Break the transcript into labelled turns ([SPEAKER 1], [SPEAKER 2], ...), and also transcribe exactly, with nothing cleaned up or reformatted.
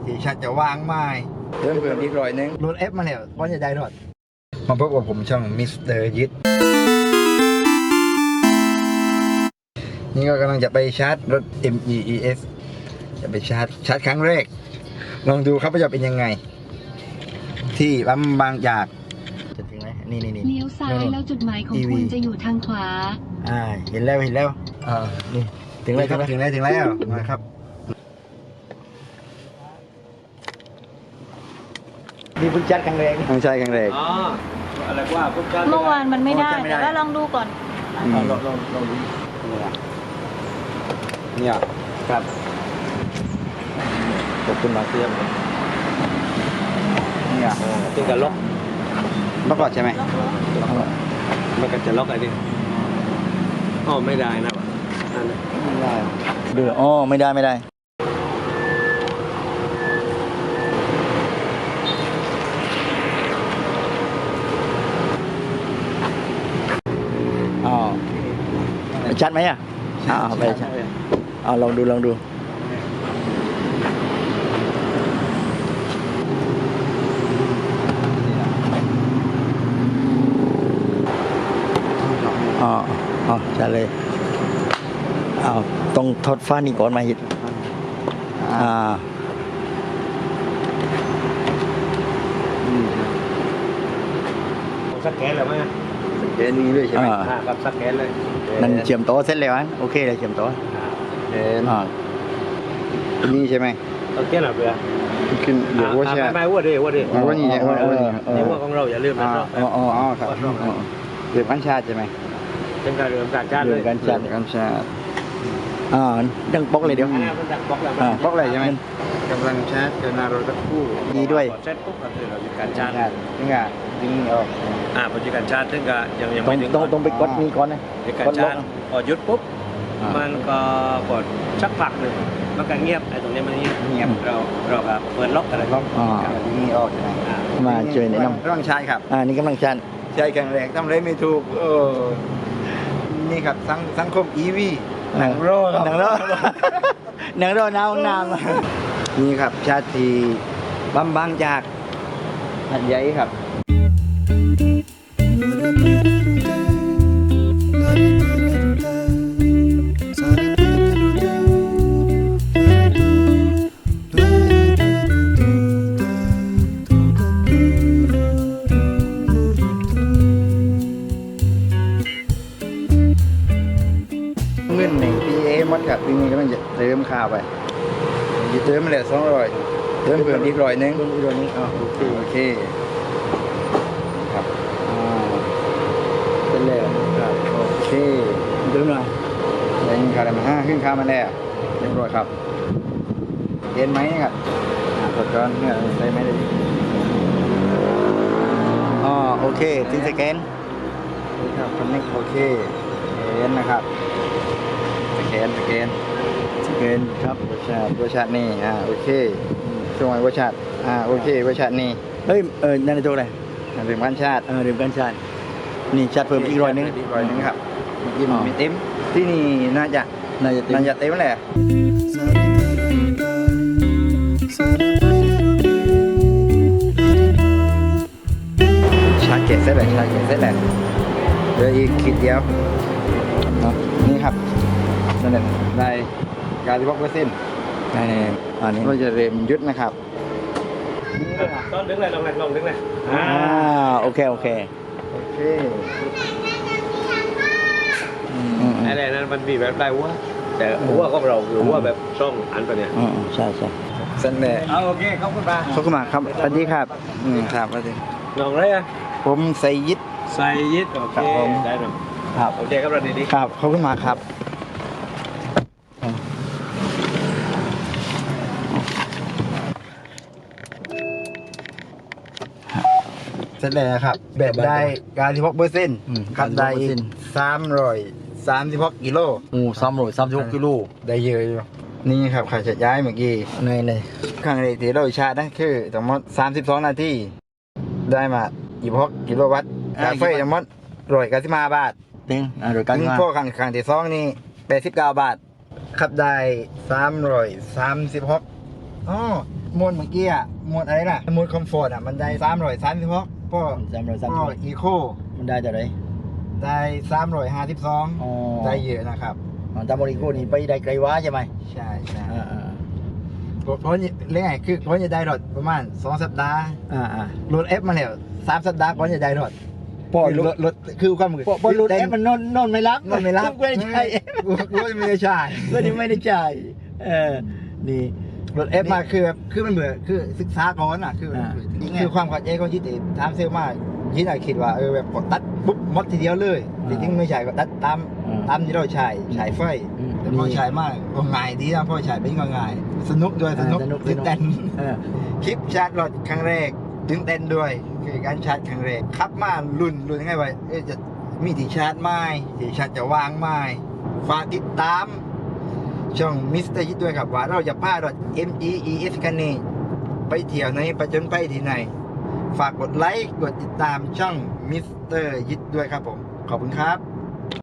[SPEAKER 1] ที่ชัดจะวางไม้เพิ่มเพิ่มอีกร้อยนึงรถเอฟมาเนี่ยว่าจะได้รถมาพบกับผมช่องมิสเตอร์ยิทนี่ก็กำลังจะไปชาร์จรถ เอ็ม อี อี เอส จะไปชาร์จชาร์จครั้งแรกลองดูครับว่าจะเป็นยังไงที่ปั๊มบางจากจะถึงไหมนี่นี่นี่
[SPEAKER 2] เลี้ยวซ้ายแล้วจุดหมายของคุณจะอยู่ทางขวา
[SPEAKER 1] อ่าเห็นแล้วเห็นแล้วอ่านี่ถึงแล้วครับถึงแล้วถึงแล้วมาครับนี่พึ่งจัดครั้งแรกไม่ใช่ครั้งแรก
[SPEAKER 3] อ๋ออะไรว่าพึ่งจัด
[SPEAKER 2] เมื่อวานมันไม่ได้แต่ว่าลองดูก่อน
[SPEAKER 1] ลองลองลองดูเนี่ยครับ
[SPEAKER 3] ขอบคุณมาเสียม
[SPEAKER 1] เนี่ย
[SPEAKER 3] ตึงกับล็อก
[SPEAKER 1] ล็อกก่อนใช่ไหม
[SPEAKER 3] มันก็จะล็อกอะไรดิอ๋อไม่ได้นะวะ
[SPEAKER 1] ไม่ได้
[SPEAKER 3] เดืออ๋อไม่ได้ไม่ได้อ๋อชัดไหมอ่ะอ๋อไปชัดเอาลองดูลองดูอ๋ออ๋อชัดเลยเอาต้องทดฟ้านี่ก่อนมาหิดอ่าสักแกนเลยไหม
[SPEAKER 1] สักแกนนี้ด้วยใช่ไหม
[SPEAKER 3] ครับสักแกนเลย
[SPEAKER 1] นั่นเชื่อมโต๊ะเสร็จแล้วมั้ยโอเคเลยเชื่อมโต๊ะเอ็นอ่านี่ใช่ไหม
[SPEAKER 3] โอเคหรอเพื่อ
[SPEAKER 1] ขึ้นเดี๋ยวว่าใช่
[SPEAKER 3] ไม่ว่าดิว่าดิ
[SPEAKER 1] ว่านี่ว่านี่
[SPEAKER 3] นี่ว่าของเราอย่าลืมนะ
[SPEAKER 1] อ๋ออ๋อครับเรื่องการชาติใช่ไหม
[SPEAKER 3] เป็นการเรื่องการชาติเลย
[SPEAKER 1] การชาติการชาติ
[SPEAKER 3] อ่าดังป๊อกเลยเดี๋ยว
[SPEAKER 1] ดังป๊อกแล้วอ่าป๊อกเลยใช่ไหมกำลังชาร์จเกินหน้ารถสักครู่
[SPEAKER 3] ดีด้วยเซ็ตปุ๊บก็คือเรามีการชาร์จ
[SPEAKER 1] ถึงอ่ะดึงออก
[SPEAKER 3] อ่าพอจะการชาร์จถึงก็ยังยังไม่ถึง
[SPEAKER 1] ต้องต้องไปกดนี่ก่อนนะ
[SPEAKER 3] การชาร์จพอหยุดปุ๊บมันก็กดสักพักหนึ่งมันก็เงียบไอ้ตรงนี้มันเงียบเงียบเราเราแบบเปิดล็อกอะไรล็อก
[SPEAKER 1] อ๋อนี่ออกมาเจอในน้ำต้องชาร์จครับ
[SPEAKER 3] อ่านี่กำลังชาร์จ
[SPEAKER 1] ใช่แข็งแรงทำอะไรไม่ถูกเออนี่ครับสังสังคม อี วี หนังโร่
[SPEAKER 3] หนังโร่หนังโร่น้ำน้
[SPEAKER 1] ำนี่ครับชาติบำบังจากหัดใหญ่ครับเงินหนึ่งพีเอมัดครับทีนี้ก็ต้องจะเติมข้าวไปจะเติมมาแล้วสองร้อยเติมเพิ่มอีกร้อยนึง
[SPEAKER 3] อีกร้อยนึงอ๋อโอเค
[SPEAKER 1] โอเคครับอ่าเป็นแล้วครับโอเค
[SPEAKER 3] เติมหน่อย
[SPEAKER 1] แรงข้าวมาห้าขึ้นข้าวมาแล้วเรียบร้อยครับเห็นไหมครับกดก่อนเนี่ยใส่ไหมเลย
[SPEAKER 3] อ๋อโอเคถึงสแกน
[SPEAKER 1] ครับคอนเนคโอเคเห็นนะครับสแกนสแกน
[SPEAKER 3] สแกนครับ
[SPEAKER 1] วชาติวชาตินี่อ่าโอเคช่วงวชาติอ่าโอเควชาตินี่
[SPEAKER 3] เฮ้ยเออนั่นเป็นตัวอะไร
[SPEAKER 1] เรื่องการชาติ
[SPEAKER 3] เออเรื่องการชาตินี่ชาติเพิ่มอีกร้อยนึง
[SPEAKER 1] อีกร้อยนึงครับยี่สิบมีเต็มที่นี่น่าจะ
[SPEAKER 3] น่าจะ
[SPEAKER 1] น่าจะเต็มแหละชาร์จเจ็ดเสร็จแล้วชาร์จเจ็ดเสร็จแล้วเหลืออีกขีดเดียวเนาะนี่ครับนั่นแหละได้การที่บอกเปอร์เซ็นต์
[SPEAKER 3] ในในอันนี้
[SPEAKER 1] เราจะเริ่มยุดนะครับ
[SPEAKER 3] ต้นดึงเลยลงเลยลงดึงเลยอ่าโอเคโอเค
[SPEAKER 1] โอเค
[SPEAKER 3] อะไรนั้นมันมีแบบได้ว่าแต่หัวของเราหรือว่าแบบช่องอันตัวเนี้ย
[SPEAKER 1] อืมใช่ใช่เส้นแดง
[SPEAKER 3] โอเคขอบคุณมาก
[SPEAKER 1] ขอบคุณมากครับสวัสดีครับอืมครับสวัสดี
[SPEAKER 3] น้องอะไรอ่ะ
[SPEAKER 1] ผมไซยิด
[SPEAKER 3] ไซยิดโอเคได้หนึ่ง
[SPEAKER 1] ครับ
[SPEAKER 3] โอเคครับเราดี
[SPEAKER 1] ๆครับขอบคุณมากครับเสร็จแล้วครับแบบได้การที่พกเปอร์เซ็นต์ขับได้สามร้อยสามสิบหกกิโล
[SPEAKER 3] โอ้สามร้อยสามสิบหกกิโล
[SPEAKER 1] ได้เยอะอยู่นี่ครับขาจะย้ายเมื่อกี้
[SPEAKER 3] ในใน
[SPEAKER 1] ข้างในที่เราชาร์จนั่นคือทั้งหมดสามสิบสองนาทีได้มายี่สิบหกกิโลวัตต์กาแฟทั้งหมดร้อยเก้าสิบห้าบาท
[SPEAKER 3] ตึงอ่าร้อยเก้าสิบห้า
[SPEAKER 1] พวกข้างข้างที่สองนี่แปดสิบเก้าบาทขับได้สามร้อยสามสิบหกอ๋อโหมดเมื่อกี้อ่ะโหมดอะไรล่ะโหมดคอมฟอร์ตอ่ะมันได้สามร้อยสามสิบหกพอ
[SPEAKER 4] สามร้อยสาม
[SPEAKER 1] พ
[SPEAKER 4] สิ
[SPEAKER 1] อบ อีโค
[SPEAKER 4] มันได้จากไหน
[SPEAKER 1] ได้สามร้อยห้าสิบสอง
[SPEAKER 4] อ๋อ
[SPEAKER 1] ได้เยอะนะครับ
[SPEAKER 4] อ๋อตามโมริโกนี่ไปได้ไกลว้าใช่ไหม
[SPEAKER 1] ใช่ใช่
[SPEAKER 4] อ่าอ่า
[SPEAKER 1] เพราะเพราะเรื่องไงคือเพราะจะได้รถประมาณสองสัปดาห์
[SPEAKER 4] อ่าอ่าร
[SPEAKER 1] ถเอฟมาแล้วสามสัปดาห์ก่อนจะได้รถ
[SPEAKER 4] พอ
[SPEAKER 1] คือ
[SPEAKER 4] ร
[SPEAKER 1] ร
[SPEAKER 4] ถ
[SPEAKER 1] ถรถคือความมือ
[SPEAKER 4] พอพอรถเอฟมันนอนนอนไม่รับ
[SPEAKER 1] นอนไม่รับ
[SPEAKER 4] ไม่ได้ใช่
[SPEAKER 1] กูกูไม่ได้ใช่
[SPEAKER 4] ก็นี่ไม่ได้จ่ายเออนี่
[SPEAKER 1] รถเอฟมาคือแบบคือมันเบื่อคือศึกษาก่อนอ่ะคือ
[SPEAKER 4] อ่า
[SPEAKER 1] คือความเข้าใจของที่ติถามเซลล์มากที่ไหนคิดว่าเออแบบกดตัดปุ๊บหมดทีเดียวเลยจริงๆไม่ใช่ก็ตัดตาม
[SPEAKER 4] อ่า
[SPEAKER 1] ตามที่เราใช้ใช้ไฟ
[SPEAKER 4] อืม
[SPEAKER 1] แต่พอใช้มากก็ง่ายดีนะพอใช้เป็นก็ง่ายสนุกด้วยสนุก
[SPEAKER 4] อ่าสนุก
[SPEAKER 1] ตื่นเต้น
[SPEAKER 4] เออ
[SPEAKER 1] คลิปชาร์จรถครั้งแรกตื่นเต้นด้วยคือการชาร์จครั้งแรกขับมาลุ่นลุ่นยังไงวะเอ๊ะจะมีที่ชาร์จไหมที่ชาร์จจะวางไหมฝากติดตามช่องมิสเตอร์ยิดด้วยครับว่าเราจะพารถ เอ็ม จี อี เอส คันนี้ไปเที่ยวไหนไปจนไปที่ไหน ฝากกดไลค์กดติดตามช่องมิสเตอร์ยิดด้วยครับผม ขอบคุณครับ